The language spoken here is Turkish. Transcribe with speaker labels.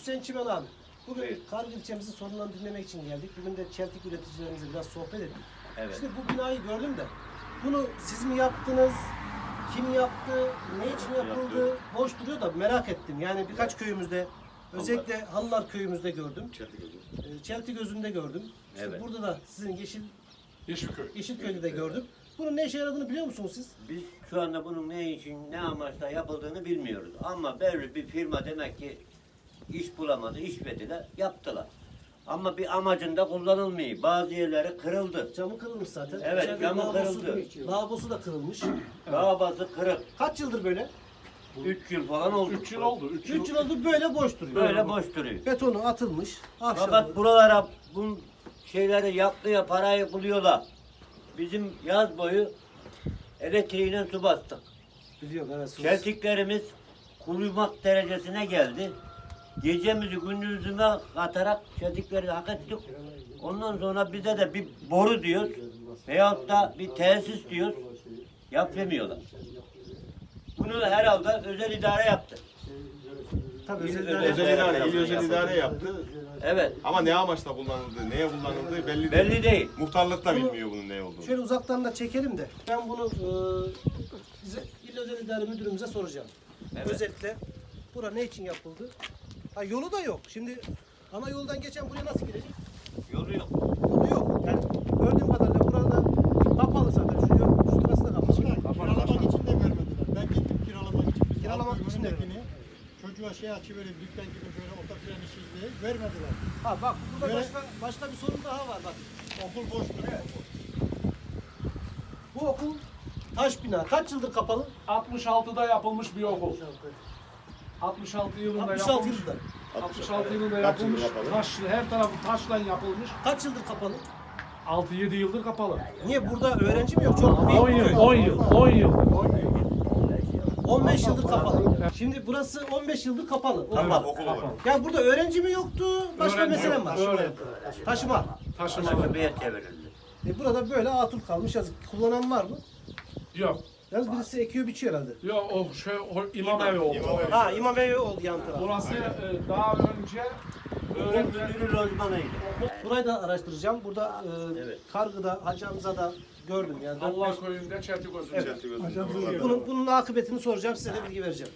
Speaker 1: Hüseyin Çimen abi. Bugün
Speaker 2: Evet.
Speaker 1: Kargı ilçemizin sorunlarını dinlemek için geldik. Bugün de çeltik üreticilerimizle biraz sohbet ettik.
Speaker 2: Evet.
Speaker 1: Şimdi bu binayı gördüm de bunu siz mi yaptınız? Kim yaptı? Ne için yapıldı?
Speaker 2: Yaptı.
Speaker 1: Boş duruyor da merak ettim. Yani birkaç köyümüzde özellikle Halılar köyümüzde gördüm. Çeltiközü'nde gördüm. İşte
Speaker 2: Evet.
Speaker 1: burada da sizin
Speaker 3: Yeşilköy.
Speaker 1: Yeşilköy'de de gördüm. Bunun ne işe yaradığını biliyor musunuz siz?
Speaker 2: Biz şu anda bunun ne için, ne amaçla yapıldığını bilmiyoruz. Ama belli bir firma demek ki iş bulamadı, iş verdiler, yaptılar. Ama bir amacında kullanılmıyor. Bazı yerleri kırıldı.
Speaker 1: Camı kırılmış zaten.
Speaker 2: Evet,
Speaker 1: İçeride
Speaker 2: camı
Speaker 1: lavabosu-
Speaker 2: kırıldı.
Speaker 1: Lavabosu da kırılmış.
Speaker 2: Lavabası kırık.
Speaker 1: Kaç yıldır böyle?
Speaker 2: 3 yıl falan oldu.
Speaker 3: 3 yıl oldu.
Speaker 1: 3 yıl oldu böyle boş duruyor.
Speaker 2: Böyle boş duruyor.
Speaker 1: Betonu atılmış.
Speaker 2: Fakat
Speaker 1: Ahşabı.
Speaker 2: buralara bu şeyleri yaptıya parayı buluyorlar. Bizim yaz boyu elektriğine su bastık.
Speaker 1: Biliyorum evet.
Speaker 2: Çeltiklerimiz kuruymak derecesine geldi. Gecemizi gündüzüne katarak çeltikleri hak ettik. Ondan sonra bize de bir boru diyoruz veyahut da bir tesis diyoruz. Yapamıyorlar. Bunu herhalde özel idare yaptı.
Speaker 1: Tabii
Speaker 2: İl
Speaker 1: özel
Speaker 2: özel
Speaker 1: idare-
Speaker 2: idare.
Speaker 4: özel idare yaptı.
Speaker 2: Evet.
Speaker 4: Ama ne amaçla kullanıldığı, neye kullanıldığı belli değil.
Speaker 2: Belli değil.
Speaker 4: Muhtarlık da
Speaker 1: Bunu-
Speaker 4: bilmiyor bunun ne olduğunu.
Speaker 1: Şöyle uzaktan da çekelim de ben bunu bize İl Özel İdare Müdürümüze soracağım.
Speaker 2: Evet.
Speaker 1: Özellikle bura ne için yapıldı? Ha, yolu da yok. Şimdi ana yoldan geçen buraya nasıl girecek?
Speaker 2: Yolu yok.
Speaker 1: Yolu yok. Yani gördüğüm kadarıyla burada kapalı zaten. Şu sırası da kapalı.
Speaker 5: Kiralamak için de vermediler. Ben gittim kiralamak için. Biz
Speaker 1: Kiralamak
Speaker 5: Halk
Speaker 1: için de
Speaker 5: Ömrü'ndekini Çocuğa şey açıvereyim, dükkan gibi böyle otofren işi diye vermediler.
Speaker 1: Ha bak burada
Speaker 5: Evet.
Speaker 1: başka bir sorun daha var bak.
Speaker 5: Okul boş duruyor.
Speaker 1: Bu okul taş bina. Kaç yıldır kapalı?
Speaker 3: 66'da yapılmış bir okul. 66 yılında
Speaker 1: 66
Speaker 3: yapılmış.
Speaker 1: yılda.
Speaker 3: 66 yılında
Speaker 4: Kaç yıldır
Speaker 3: yapılmış.
Speaker 4: kapalı?
Speaker 3: Taş, her tarafı taşla yapılmış.
Speaker 1: Kaç yıldır kapalı?
Speaker 3: 6-7 yıldır kapalı.
Speaker 1: Niye burada öğrenci mi yok? Çok büyük
Speaker 3: 10
Speaker 1: bir
Speaker 3: yıl,
Speaker 1: köy.
Speaker 3: 10 yıl, 10 yıl.
Speaker 1: 15 yıldır kapalı. Şimdi burası 15 yıldır kapalı. Okul.
Speaker 2: Kapalı.
Speaker 4: Okul olarak.
Speaker 1: Ya burada öğrenci mi yoktu? Başka
Speaker 3: Öğrenci
Speaker 1: mesele mi
Speaker 3: yok,
Speaker 1: var?
Speaker 3: öğrenci.
Speaker 1: Taşıma.
Speaker 3: Taşımalı.
Speaker 2: Taşımaya çevrildi.
Speaker 1: Burada böyle atıl kalmış yazık. Kullanan var mı?
Speaker 3: Yok.
Speaker 1: Yalnız birisi ekiyor biçiyor herhalde.
Speaker 3: Yok o imam evi oldu.
Speaker 4: İmam evi.
Speaker 1: Ha imam evi oldu yan taraf.
Speaker 3: Burası daha önce öğretmen
Speaker 2: Müdürü lojmanıydı.
Speaker 1: Burayı da araştıracağım. Burada
Speaker 2: Evet.
Speaker 1: Kargı'da, Hacı Hamza'da gördüm yani.
Speaker 3: Allah köyünde Çeltiközü.
Speaker 1: Evet. Bunun akıbetini soracağım, size de bilgi vereceğim.